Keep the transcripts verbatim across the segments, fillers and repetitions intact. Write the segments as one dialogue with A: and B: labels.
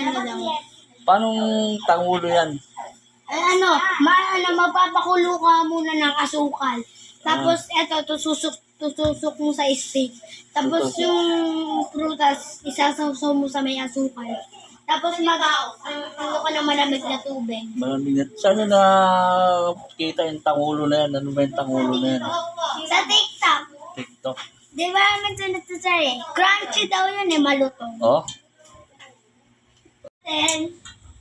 A: na lang.
B: Paano tangulo yan?
A: Ay, ano, ma, ano, mapapakulo ka muna ng asukal. Tapos, eto, tususok, tutusok mo sa steak. Tapos,
B: Tutusok.
A: yung prutas, isasawsaw mo sa may asukal. Tapos, mag, ano ka ng malamig na tubig.
B: Malamig na. Saan na kita yung tangulo na yan? Ano ba yung tangulo na yan?
A: Sa TikTok.
B: TikTok.
A: Di ba naman ito natusar eh? Crunchy daw yun eh, malutong.
B: Oh?
A: Then,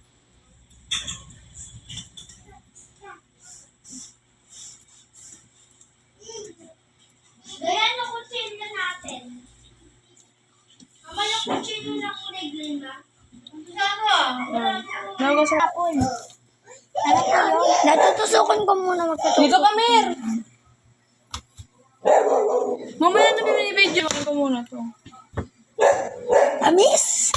A: Ganyan ang kutsilyo natin. Ama yung kutsilyo na kulay green ba?
C: Nago sa
A: Apple. Ano po yun? Natutusukan ko muna magtutusok.
C: Dito ka, Mer! Mamaya na binibidyo ko muna to.
A: Amis!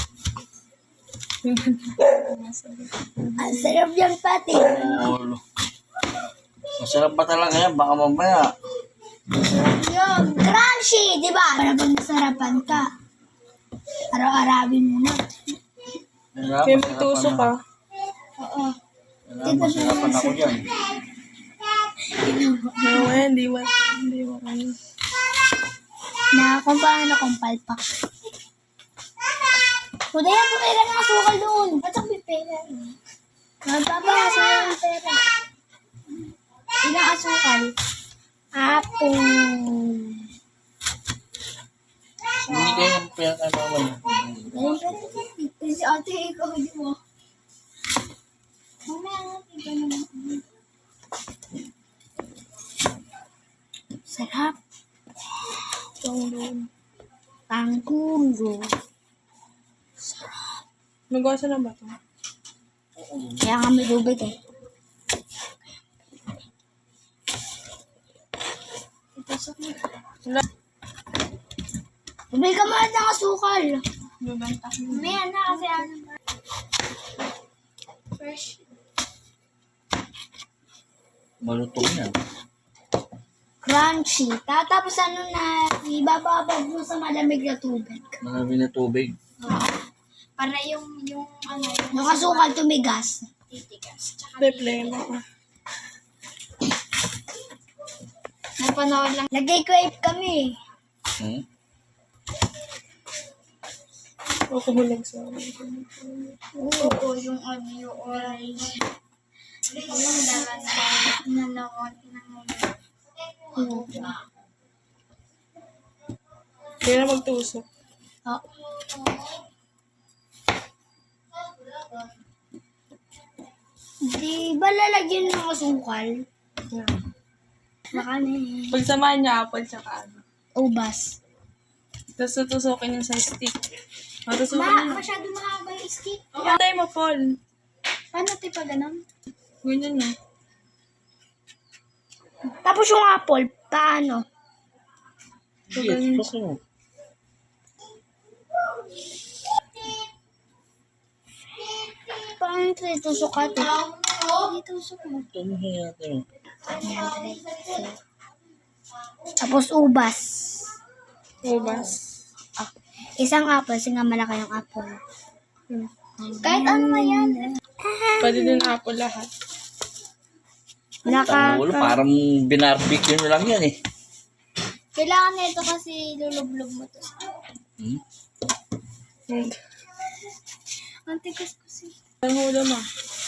A: Ang sarap yan pati.
B: Tangulo. Masarap ba talaga yan? Baka mamaya.
A: Yun, crunchy, di ba? Para pag nasarapan ka. Araw-arawin mo na.
B: Masarap,
C: Kaya
B: masarapan
C: magtusok
B: na.
C: ka.
A: Oo.
B: Masarap, masarapan ako dyan.
C: Mamaya, hindi mo. Hindi mo. Ano.
A: Na kung paano kung palpak. Kuda yan, pumera ng asukal doon. Ba't ang pipera? Magpapakasa yung pera. Ilang asukal? Apple.
B: Hindi kayo yung pera kay mama niya.
A: Ganun pera dyan. Kasi ate, ikaw hindi mo. Mamaya natin ka naman. Sarap.
C: Tangulo.
A: Tangkulo.
C: Nagwasa na ba ito?
A: Kaya kami tubig eh. Ipasok mo.
C: Wala.
A: Bumili ka muna ng asukal.
C: Naganta.
A: May na kasi ano ba? Fresh.
B: Malutong yan.
A: Crunchy. Tatapos ano na, ibababad mo sa malamig na tubig.
B: Malamig na tubig.
A: Para yung, yung ano, yung asukal tumigas. Titigas.
C: Problema ko.
A: Napanood lang. Nag-crave kami.
B: Hmm?
C: Ako hulag sa
A: Oo, yung ano, yung orange. Yung dalan na nanawag ng
C: Kaya na magtusok.
A: Oh. Di ba lalagyan ng asukal?
C: Yeah.
A: Baka na eh.
C: Pagsamahan niya apple tsaka ano.
A: Ubas.
C: Tapos tutusokin niya sa stick. Matusukin
A: Ma,
C: niya.
A: masyado mahaba yung stick.
C: Patay mo, Paul.
A: Paano ito pa ganun?
C: Ganyan na.
A: Tapos yung apple, paano?
B: Yes, gusto mo.
A: Paano ito itusok ka ito? Itusok mo.
B: Tumuhin natin.
A: Tapos ubas.
C: Ubas.
A: Isang apple, kasi nga malaki yung apple.
C: Hmm.
A: Kahit ano na yan.
C: Pwede din apple lahat.
B: Tangulo,
A: Nakaka...
B: parang binarbecue nyo lang yan eh.
A: Kailangan na ito kasi lulublob mo to.
B: Hmm?
C: Hmm.
A: Ang tigas kasi.
C: Ang hula mo.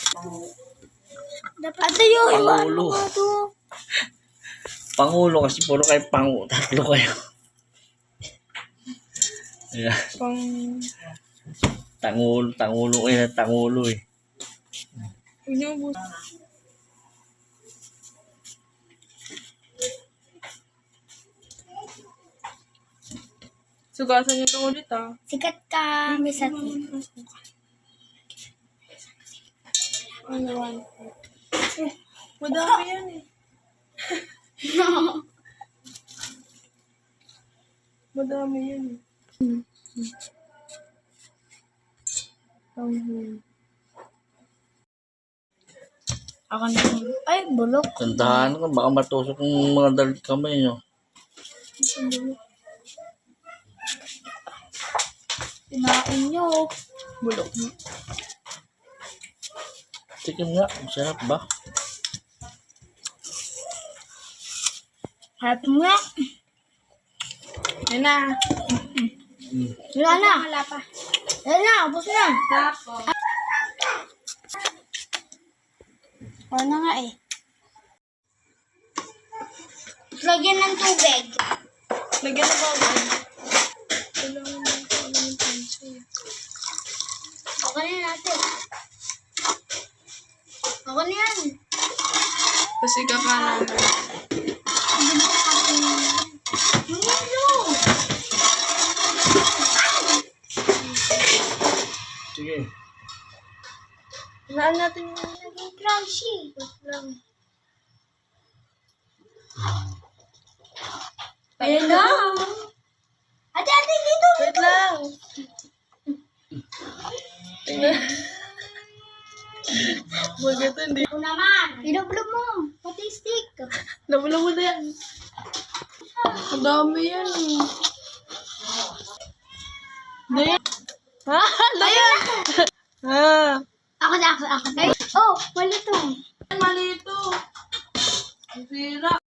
A: Dapat ito yun.
B: Pangulo.
A: Ano ba ito?
B: Pangulo kasi puro kayo pangu. Tatlo kayo. Yeah.
C: Pang...
B: Tangulo, tangulo kayo na tangulo eh.
C: Huwag niyo ubus. Sugasan niyo ito ulit ah.
A: Sikat ka, Miss Ati.
C: Ano one? Eh, madami yan eh. Madami yan eh. Ang
A: Ako na. Ay, bulok.
B: Tandahan ka, baka matusok yung mga dalit kamay nyo.
A: Tinain nyo.
C: Bulok.
B: Tikim nga, masarap ba?
A: Harap mo nga.
C: Yan na.
A: Wala na. Wala pa. Wala na, ubos na.
C: Tapos.
A: Wala na nga eh. Lagyan ng tubig.
C: Lagyan na ba ako? Kailangan mo ko alam yung pencil.
A: Okay na natin. Okay na yan.
C: Kasi kakanan.
A: Ano?
B: Sige.
C: Naan natin yung...
A: Naging crunchy.
C: Wait lang.
A: Ayun na. Ate, ate, dito.
C: Wait lang. Tingnan. Bagay ito, hindi.
A: Ako naman. Ilublob mo. Pati stick.
C: Labula mo na yan. Ang dami yan. Ano yan? Ha? Ano yan? Ha?
A: Ako na, ako, ako. Ay, oh, mali to.
C: Mali ito. Ang sira.